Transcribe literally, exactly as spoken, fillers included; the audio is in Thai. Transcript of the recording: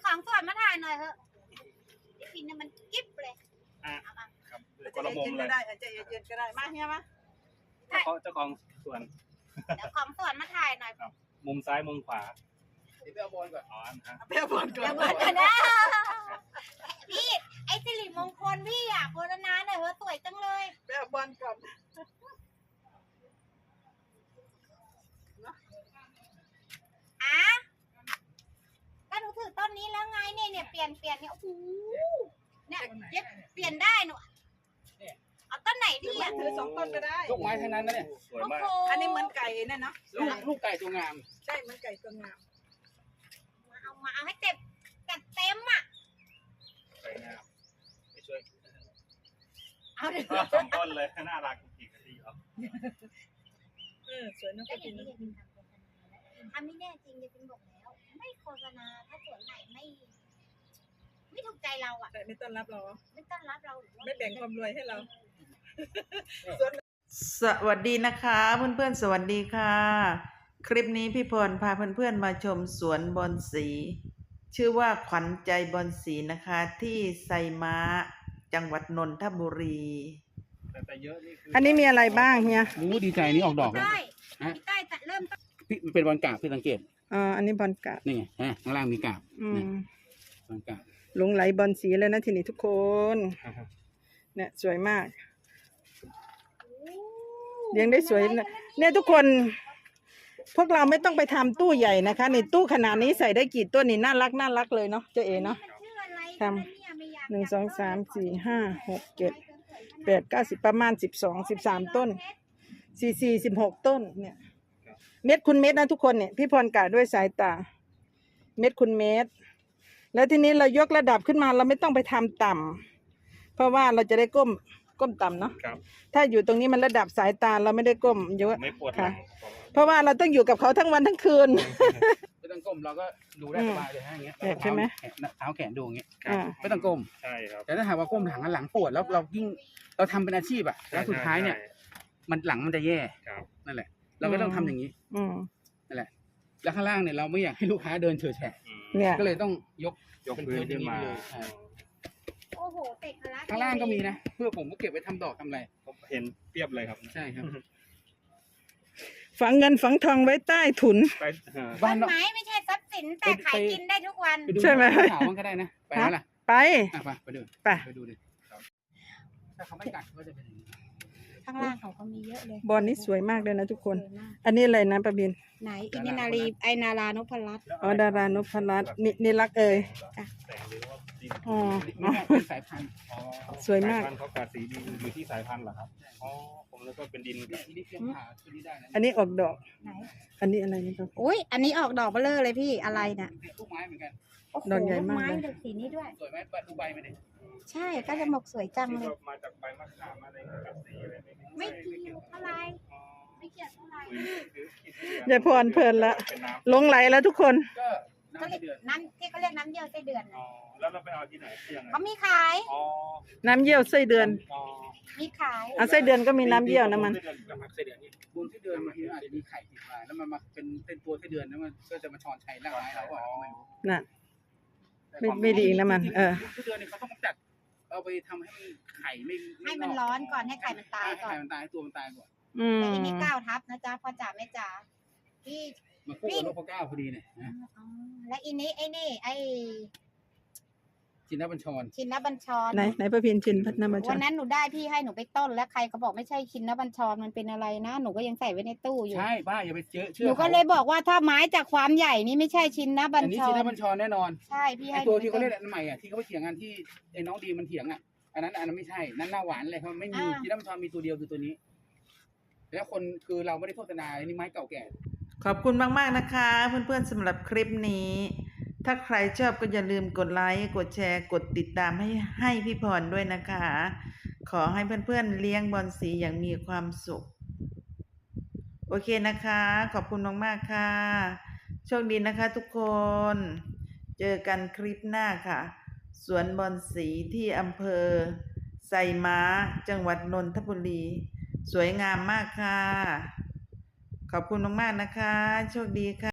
ของสวนมาถ่ายหน่อยเถอะพี่ปินเนี่ยมันกิ๊บเลยอ่ะครับจะเย็นก็ได้จะเย็นก็ได้มาเฮียมาเจ้าของเจ้าของสวนเดี๋ยวของสวนมาถ่ายหน่อยครับมุมซ้ายมุมขวาเดี๋ยวไปเอาบอลก่อนอ๋อนะฮะไปเอาบอลก่อนเอาบอลก่อนนะพี่ไอ้สิริมงคลพี่อ่ะโฆษณาหน่อยเถอะสวยจังเลยไปเอาบอลก่อนอ่ะก็หนูถือต้นนี้แล้วไงเนี่ยเนี่ยเปลี่ยนเปลี่ยนเนี่ยโอ้โหเนี่ยเย็บเปลี่ยนได้หนูเอาต้นไหนดีอ่ะถือสองต้นก็ได้ลูกไม้ทั้งนั้นนะเนี่ยสวยมากอันนี้เหมือนไก่เนี่ยเนาะลูกลูกไก่ตัวงามใช่เหมือนไก่ตัวงามมาเอามาเอาให้เต็มจัดเต็มอ่ะสวยงามไปช่วยเอาเดี๋ยวสองต้นเลยน่ารักจริงๆดีครับเออสวยนะก็พี่อย่างที่เดบินทำโฆษณาทำไม่แน่จริงเดบินบอกแล้วไม่โฆษณาถ้าสวนไหนไม่ไม่ถูกใจเราอ่ะแต่ไม่ต้อนรับเราไม่ต้อนรับเราไม่แบ่งความรวยให้เราสวัสดีนะคะเพื่อนๆสวัสดีค่ะคลิปนี้พี่พรพาเพื่อนๆมาชมสวนบอนสีชื่อว่าขวัญใจบอนสีนะคะที่ไซม้าจังหวัดนนทบุรีแต่เยอะนี่คืออันนี้มีอะไรบ้างเฮียรู้ดีใจนี่ออกดอกแล้วใช่พี่ใต้จะเริ่มต้นพี่เป็นบอลกาบพี่สังเกตอ๋ออันนี้บอลกาบนี่ไงฮะข้างล่างมีกาบอืมบอลกาบหลงไหลบอลสีเลยนะทีนี้ทุกคนเนี่ยสวยมากเลี้ยงได้สวยเนี่ยทุกคนพวกเราไม่ต้องไปทำตู้ใหญ่นะคะในตู้ขนาดนี้ใส่ได้กี่ต้นนี่น่ารักน่ารักเลยเนาะเจ๊เอ๋เนาะทำหนึ่งสองสามสี่ห้าหกเจ็ดแปดเก้าสิบประมาณสิบสองสิบสามต้นสี่สี่สิบหกต้นเนี่ยเม็ดคุณเม็ดนะทุกคนเนี่ยพี่พรกะด้วยสายตาเม็ดคุณเม็ดแล้วทีนี้เรายกระดับขึ้นมาเราไม่ต้องไปทำต่ำเพราะว่าเราจะได้ก้มก้มต่ำเนาะถ้าอยู่ตรงนี้มันระดับสายตาเราไม่ได้ก้มเยอะไม่ปวดค่ะเพราะว่าเราต้องอยู่กับเขาทั้งวันทั้งคืนไม่ต้องก้มเราก็ดูได้สบายเลยฮะอย่างเงี้ยใช่ไหมเท้าแขนดูอย่างเงี้ยอ่าไม่ต้องก้มใช่ครับแต่ถ้าหากว่าก้มหลังหลังปวดแล้วเรายิ่งเราทำเป็นอาชีพอะแล้วสุดท้ายเนี่ยมันหลังมันจะแย่นั่นแหละเราก็ต้องทำอย่างนี้นั่นแหละแล้วข้างล่างเนี่ยเราไม่อยากให้ลูกค้าเดินเฉยแฉะเนี่ยก็เลยต้องยกยกพื้นขึ้นมาโอ้โหเตะคละข้างล่างก็มีนะเพื่อผมก็เก็บไว้ทำดอกทำอะไรเห็นเปรียบเลยครับใช่ครับฝังเงินฝังทองไว้ใต้ถุนต้นไม้ไม่ใช่ทรัพย์สินแต่ขายกินได้ทุกวันใช่ไหมถามมันก็ได้นะไปแล้วล่ะไปไปไปดูไปไปดูดิถ้าเขาไม่กัดก็จะเป็นอย่างนี้ข้างล่างเขาก็มีเยอะเลยบอลนี้สวยมากเลยนะทุกคนอันนี้อะไรนะประบินไหนอินินารีไอนารานุพรัตน์อ๋อดารานพรัตน์นี่นี่รักเอ่ยอ๋อเป็นสายพันธุ์สวยมากเขากัดสีดีอยู่ที่สายพันธุ์เหรอครับอ๋อผมแล้วก็เป็นดินอันนี้ออกดอกอันนี้อะไรนี่ครับอุ้ยอันนี้ออกดอกเบลอเลยพี่อะไรเนี่ยลูกไม้เหมือนกันดอกใหญ่มากเลยสีนี้ด้วยสวยไหมดูใบมันดิใช่ก็จะหมกสวยจังเลยมาจากใบมะขามอะไรกัดสีอะไรไม่เกี่ยวอะไรไม่เกี่ยวอะไรอย่าพรเพลินละหลงไหลแล้วทุกคนก็เรียกน้ำที่เขาเรียกน้ำเยี่ยวไส้เดือนอ๋อแล้วเราไปเอาที่ไหนยังไงเขามีขายอ๋อน้ำเยี่ยวไส้เดือนมีขายอ่ะไส้เดือนก็มีน้ำเยี่ยวนะมันไส้เดือนนี่บนไส้เดือนบางทีอาจจะมีไข่ติดมาแล้วมันมาเป็นเป็นตัวไส้เดือนแล้วมันก็จะมาช้อนชัยร่างกายเราอ่ะน่ะไม่ไม่ดีนะมันเออไส้เดือนนี่เขาต้องจัดเอาไปทำให้มันไข่ไม่ให้มันร้อนก่อนให้ไข่มันตายก่อนไข่มันตายตัวมันตายก่อนแต่อีนี่เก้าทับนะจ๊ะพ่อจ๋าแม่จ๋าพี่มาคู่กับนกพะเก้าพอดีเนี่ยและอีนี้ไอ้นี่ไอ้ชินบัญชรชินบัญชรไหนไหนประพินชินพัฒนาบัญชรวันนั้นหนูได้พี่ให้หนูไปต้นแล้วใครเขาบอกไม่ใช่ชินบัญชรมันเป็นอะไรนะหนูก็ยังใส่ไว้ในตู้อยู่ใช่ป้าอย่าไปเชื่อหนูก็เลยบอกว่าถ้าไม้จากความใหญ่นี่ไม่ใช่ชินบัญชรอันนี้ชินบัญชรแน่นอนใช่พี่ให้ตัวที่เขาเรียกอันใหม่อ่ะที่เขาไปเถียงกันที่ไอ้น้องดีมันเถียงอ่ะอันนั้นอันนั้นไม่ใช่นั่นหน้าหวานเลยเขาไม่มีชินบัญชรมีตัวเดียวคือตัวนี้แล้วคนคือเราไม่ได้โฆษณาอันนี้ไม้เก่าแก่ขอบคุณมากๆนะคะเพื่อนๆสำหรับคลิปนี้ถ้าใครชอบก็อย่าลืมกดไลค์กดแชร์กดติดตามให้ให้พี่พรด้วยนะคะขอให้เพื่อนๆเลี้ยงบอนสีอย่างมีความสุขโอเคนะคะขอบคุณมากๆค่ะโชคดีนะคะทุกคนเจอกันคลิปหน้าค่ะสวนบอนสีที่อำเภอไซม้าจังหวัดนนทบุรีสวยงามมากค่ะขอบคุณมากๆนะคะโชคดีค่ะ